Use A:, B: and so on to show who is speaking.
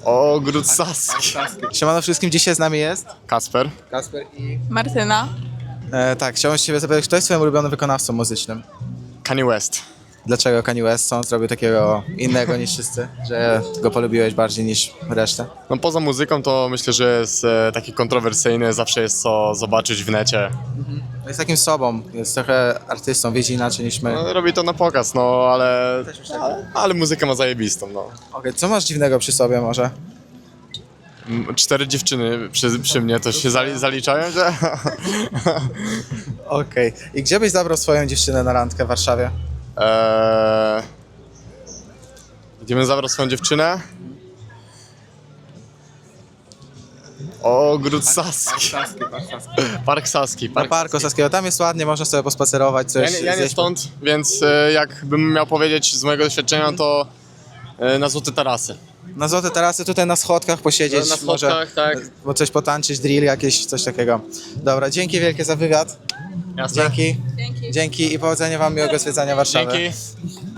A: Ogród Saski.
B: Siemano wszystkim, dzisiaj z nami jest
A: Kasper.
B: Kasper i...
C: Martyna.
B: tak, chciałbym się ciebie zapytać, kto jest twoim ulubionym wykonawcą muzycznym?
A: Kanye West.
B: Dlaczego Kanye West? Co on zrobił takiego innego niż wszyscy? Że go polubiłeś bardziej niż resztę?
A: No poza muzyką to myślę, że jest taki kontrowersyjny, zawsze jest co zobaczyć w necie.
B: Jest takim sobą, jest trochę artystą, widzi inaczej niż my.
A: No, robi to na pokaz, no ale muzykę ma zajebistą, no.
B: Okej, co masz dziwnego przy sobie może?
A: 4 dziewczyny przy mnie to się zaliczają, że?
B: Okej, i gdzie byś zabrał swoją dziewczynę na randkę w Warszawie?
A: Gdzie bym zabrał swoją dziewczynę? Ogród Saski. Park Saski.
B: Na Parku Saskiego, tam jest ładnie, można sobie pospacerować, coś
A: Ja nie
B: zjeść.
A: stąd, więc jakbym miał powiedzieć z mojego doświadczenia, to na Złote Tarasy.
B: Na Złote Tarasy, tutaj na schodkach posiedzieć,
A: Na
B: może,
A: schodkach, tak.
B: bo coś potańczyć, drill jakieś, coś takiego. Dobra, dzięki wielkie za wywiad.
A: Jasne?
B: Dzięki.
C: Dzięki.
B: Dzięki i powodzenia wam, miłego zwiedzania Warszawy.
A: Dzięki.